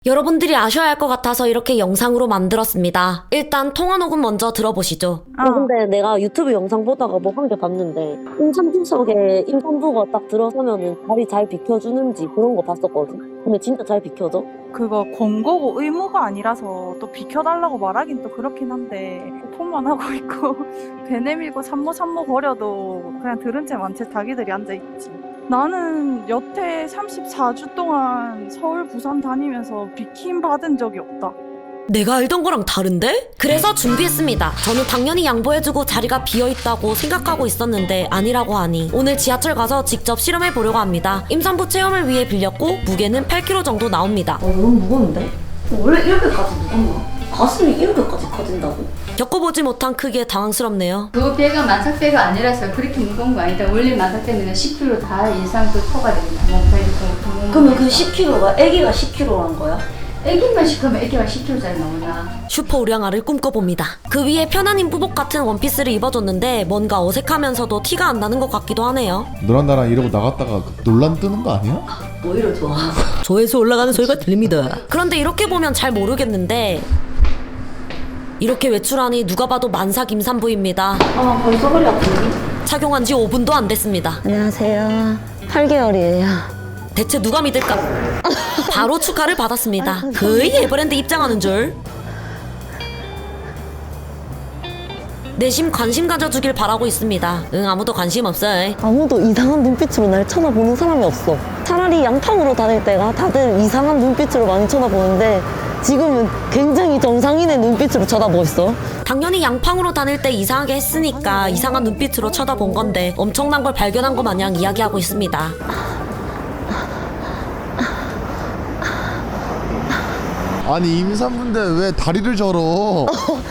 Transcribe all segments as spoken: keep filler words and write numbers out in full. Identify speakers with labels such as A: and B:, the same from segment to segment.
A: 여러분들이 아셔야 할 것 같아서 이렇게 영상으로 만들었습니다. 일단 통화 녹음 먼저 들어보시죠.
B: 어, 근데 내가 유튜브 영상 보다가 뭐 한 개 봤는데 임산부석에 임산부가 딱 들어서면은 다리 잘 비켜주는지 그런 거 봤었거든. 근데 진짜 잘 비켜줘?
C: 그거 권고고 의무가 아니라서 또 비켜달라고 말하긴 또 그렇긴 한데 폰만 하고 있고 배 내밀고 산모 산모 거려도 그냥 들은 채 만채 자기들이 앉아있지. 나는 여태 삼십사 주 동안 서울 부산 다니면서 비킴 받은 적이 없다.
A: 내가 알던 거랑 다른데? 그래서 준비했습니다. 저는 당연히 양보해주고 자리가 비어있다고 생각하고 있었는데 아니라고 하니 오늘 지하철 가서 직접 실험해보려고 합니다. 임산부 체험을 위해 빌렸고 무게는 팔 킬로그램 정도 나옵니다.
B: 어, 너무 무거운데? 원래 이렇게까지 무겁나? 가슴이 이렇게까지 커진다고?
A: 겪어보지 못한 크기에 당황스럽네요.
D: 그 배가 만삭배가 아니라서 그렇게 무거운 거 아니다. 원래 만삭배는 십 킬로그램 다 이상 그 토가 됩니다. 몸무게 그
B: 그러면 그 십 킬로그램가 애기가 십 킬로그램란 거야?
D: 애기만 시키면 애기가 십 킬로그램짜리 나오나.
A: 슈퍼 우량아를 꿈꿔봅니다. 그 위에 편한 임부복 같은 원피스를 입어줬는데 뭔가 어색하면서도 티가 안 나는 것 같기도 하네요.
E: 너랑 나랑 이러고 나갔다가 논란 뜨는 거 아니야?
B: 오히려 좋아.
A: 조회수 올라가는 소리가 들립니다. 그런데 이렇게 보면 잘 모르겠는데 이렇게 외출하니 누가 봐도 만삭 임산부입니다.
B: 아, 벌써 허리 아프니?
A: 착용한 지 오 분도 안 됐습니다.
B: 안녕하세요. 팔 개월이에요.
A: 대체 누가 믿을까? 바로 축하를 받았습니다. 거의 에버랜드 입장하는 줄. 내심 관심 가져주길 바라고 있습니다. 응, 아무도 관심 없어.
B: 아무도 이상한 눈빛으로 날 쳐다보는 사람이 없어. 차라리 양탕으로 다닐 때가 다들 이상한 눈빛으로 많이 쳐다보는데 지금은 굉장히 정상인의 눈빛으로 쳐다보고 있어.
A: 당연히 양팡으로 다닐 때 이상하게 했으니까 이상한 눈빛으로 쳐다본 건데 엄청난 걸 발견한 것 마냥 이야기하고 있습니다.
E: 아니 임산부인데 왜 다리를 절어?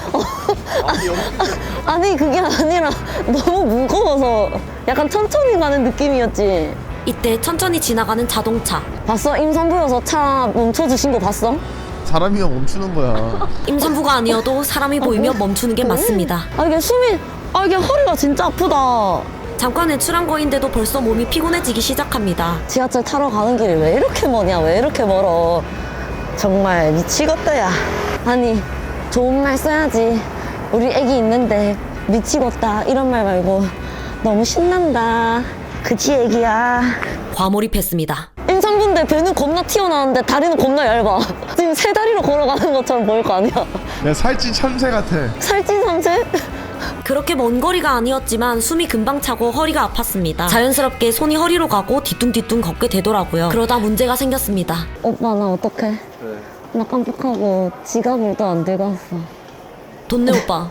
B: 아니 그게 아니라 너무 무거워서 약간 천천히 가는 느낌이었지.
A: 이때 천천히 지나가는 자동차.
B: 봤어? 임산부여서 차 멈춰주신 거 봤어?
E: 사람이가 멈추는 거야.
A: 임산부가 아니어도 사람이 보이면 멈추는 게 맞습니다.
B: 아 이게 숨이 아 이게 허리가 진짜 아프다.
A: 잠깐 외출한 거인데도 벌써 몸이 피곤해지기 시작합니다.
B: 지하철 타러 가는 길이 왜 이렇게 머냐, 왜 이렇게 멀어. 정말 미치겠다 야. 아니 좋은 말 써야지. 우리 애기 있는데 미치겠다 이런 말 말고 너무 신난다. 그치 애기야.
A: 과몰입했습니다.
B: 임산부인데 배는 겁나 튀어나왔는데 다리는 겁나 얇아. 지금 세 다리로 걸어가는 것처럼 보일 거 아니야.
E: 야 살찐 참새 같아.
B: 살찐 삼세?
A: 그렇게 먼 거리가 아니었지만 숨이 금방 차고 허리가 아팠습니다. 자연스럽게 손이 허리로 가고 뒤뚱뒤뚱 걷게 되더라고요. 그러다 문제가 생겼습니다.
B: 오빠 나 어떡해? 나 깜빡하고 지갑을 또 안 들고 왔어.
A: 돈내 오빠.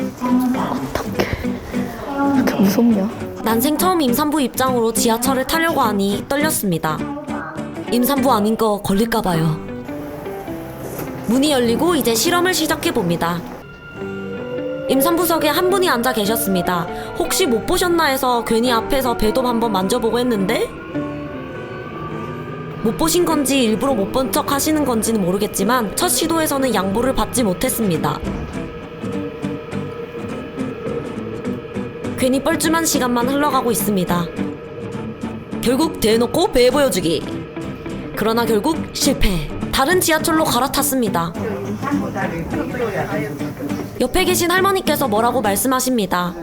B: 이렇게 무섭냐?
A: 난생 처음 임산부 입장으로 지하철을 타려고 하니 떨렸습니다. 임산부 아닌 거 걸릴까봐요. 문이 열리고 이제 실험을 시작해봅니다. 임산부석에 한 분이 앉아 계셨습니다. 혹시 못 보셨나 해서 괜히 앞에서 배도 한번 만져보고 했는데 못 보신 건지 일부러 못 본 척 하시는 건지는 모르겠지만 첫 시도에서는 양보를 받지 못했습니다. 괜히 뻘쭘한 시간만 흘러가고 있습니다. 결국 대놓고 배 보여주기. 그러나 결국 실패. 다른 지하철로 갈아탔습니다. 옆에 계신 할머니께서 뭐라고 말씀하십니다.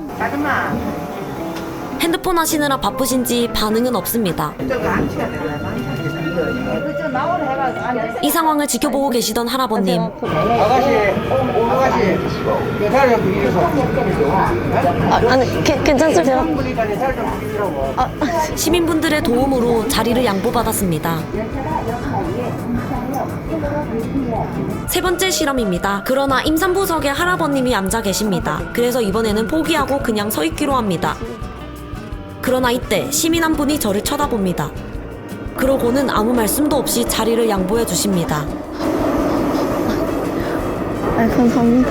A: 핸드폰 하시느라 바쁘신지 반응은 없습니다. 이 상황을 지켜보고 계시던 할아버님.
F: 아가씨, 어, 아가씨, 내 다리 좀 비벼서.
B: 아, 아니 게, 괜찮으세요?
F: 보니까 내 다리 좀 비비라고.
B: 아,
A: 시민분들의 도움으로 자리를 양보받았습니다. 세 번째 실험입니다. 그러나 임산부석에 할아버님이 앉아 계십니다. 그래서 이번에는 포기하고 그냥 서 있기로 합니다. 그러나 이때 시민 한 분이 저를 쳐다봅니다. 그러고는 아무 말씀도 없이 자리를 양보해 주십니다.
B: 아 감사합니다.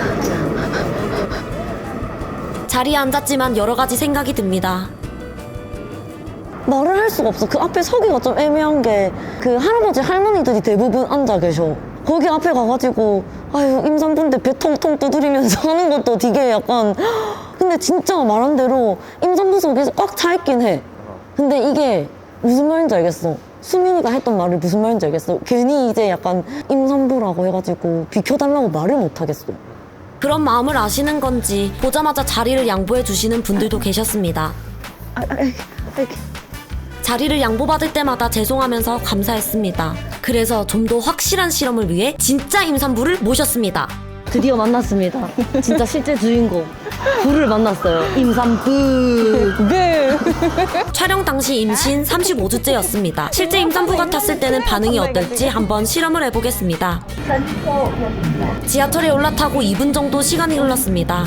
A: 자리에 앉았지만 여러 가지 생각이 듭니다.
B: 말을 할 수가 없어. 그 앞에 서기가 좀 애매한 게 그 할아버지 할머니들이 대부분 앉아 계셔. 거기 앞에 가가지고 아유 임산부인데 배 통통 두드리면서 하는 것도 되게 약간 근데 진짜 말한 대로 임산부석에서 꽉 차 있긴 해. 근데 이게 무슨 말인지 알겠어. 수민이가 했던 말이 무슨 말인지 알겠어. 괜히 이제 약간 임산부라고 해가지고 비켜달라고 말을 못하겠어.
A: 그런 마음을 아시는 건지 보자마자 자리를 양보해 주시는 분들도 계셨습니다.
B: 아, 아, 아, 아,
A: 자리를 양보받을 때마다 죄송하면서 감사했습니다. 그래서 좀 더 확실한 실험을 위해 진짜 임산부를 모셨습니다.
B: 드디어 만났습니다. 진짜 실제 주인공 부를 만났어요. 임산부. 네.
A: 촬영 당시 임신 삼십오 주째였습니다. 실제 임산부 같았을 때는 반응이 어떨지 한번 실험을 해보겠습니다. 지하철에 올라타고 이 분 정도 시간이 흘렀습니다.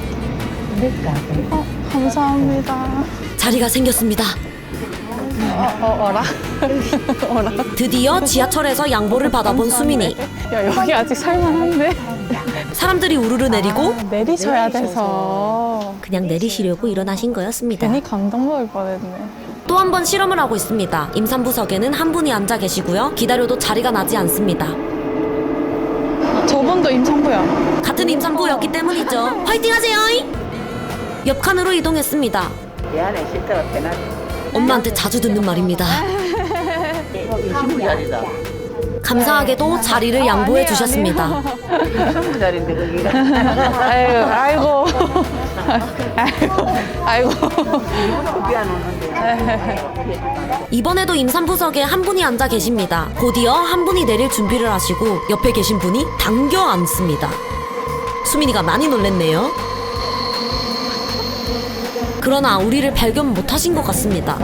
C: 감사합니다.
A: 자리가 생겼습니다.
C: 어, 어라? 어라?
A: 드디어 지하철에서 양보를 받아본 수민이.
C: 야, 여기 아직 살만한데?
A: 사람들이 우르르 내리고
C: 내리셔야 돼서.
A: 그냥 내리시려고 일어나신 거였습니다.
C: 괜히 감동먹을 뻔했네.
A: 또 한 번 실험을 하고 있습니다. 임산부석에는 한 분이 앉아 계시고요. 기다려도 자리가 나지 않습니다.
C: 저분도 임산부야.
A: 같은 임산부였기 때문이죠. 화이팅 하세요! 옆 칸으로 이동했습니다.
F: 미안해, 실제로 대낮.
A: 엄마한테 자주 듣는 말입니다.
F: 신부 자리다.
A: 감사하게도 자리를 양보해 주셨습니다.
F: 신부 자리인데, 거기가.
C: 아이고, 아이고. 아이고.
F: 미안 오는데.
A: 이번에도 임산부석에 한 분이 앉아 계십니다. 곧이어 한 분이 내릴 준비를 하시고 옆에 계신 분이 당겨 앉습니다. 수민이가 많이 놀랬네요. 그러나 우리를 발견 못하신 것 같습니다.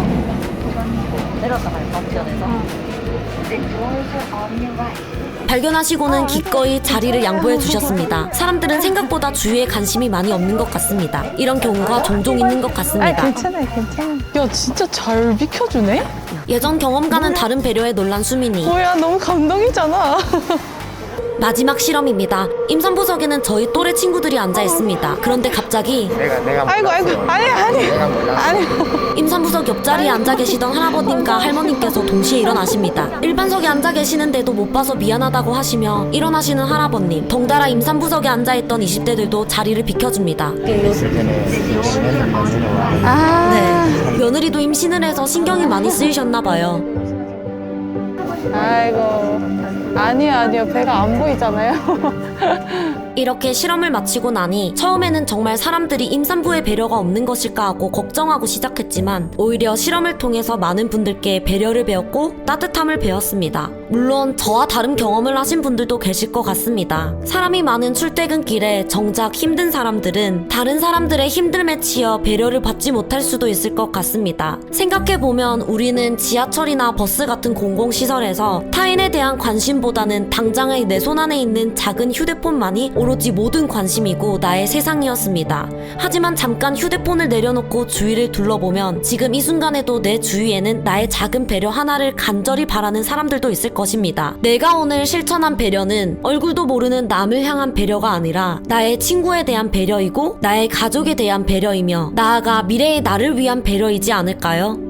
A: 발견하시고는 기꺼이 자리를 양보해 주셨습니다. 사람들은 생각보다 주위에 관심이 많이 없는 것 같습니다. 이런 경우가 종종 있는 것 같습니다.
C: 괜찮아, 괜찮아. 야, 진짜 잘 비켜주네?
A: 예전 경험과는 다른 배려에 놀란 수민이.
C: 뭐야, 너무 감동이잖아.
A: 마지막 실험입니다. 임산부석에는 저희 또래 친구들이 앉아 있습니다. 그런데 갑자기
F: 내가, 내가.
C: 아이고, 아이고. 아니, 아니. 아니.
A: 임산부석 옆자리에 앉아 계시던 할아버님과 할머님께서 동시에 일어나십니다. 일반석에 앉아 계시는데도 못 봐서 미안하다고 하시며 일어나시는 할아버님, 덩달아 임산부석에 앉아있던 이십 대들도 자리를 비켜줍니다.
C: 아.
A: 네, 며느리도 임신을 해서 신경이 많이 쓰이셨나봐요.
C: 아이고. 아니요, 아니요. 배가 안 보이잖아요.
A: 이렇게 실험을 마치고 나니 처음에는 정말 사람들이 임산부의 배려가 없는 것일까 하고 걱정하고 시작했지만 오히려 실험을 통해서 많은 분들께 배려를 배웠고 따뜻함을 배웠습니다. 물론 저와 다른 경험을 하신 분들도 계실 것 같습니다. 사람이 많은 출퇴근길에 정작 힘든 사람들은 다른 사람들의 힘듦에 치여 배려를 받지 못할 수도 있을 것 같습니다. 생각해보면 우리는 지하철이나 버스 같은 공공시설에서 타인에 대한 관심보다는 당장의 내 손 안에 있는 작은 휴대폰만이 오로지 모든 관심이고 나의 세상이었습니다. 하지만 잠깐 휴대폰을 내려놓고 주위를 둘러보면 지금 이 순간에도 내 주위에는 나의 작은 배려 하나를 간절히 바라는 사람들도 있을 것입니다. 내가 오늘 실천한 배려는 얼굴도 모르는 남을 향한 배려가 아니라 나의 친구에 대한 배려이고 나의 가족에 대한 배려이며 나아가 미래의 나를 위한 배려이지 않을까요?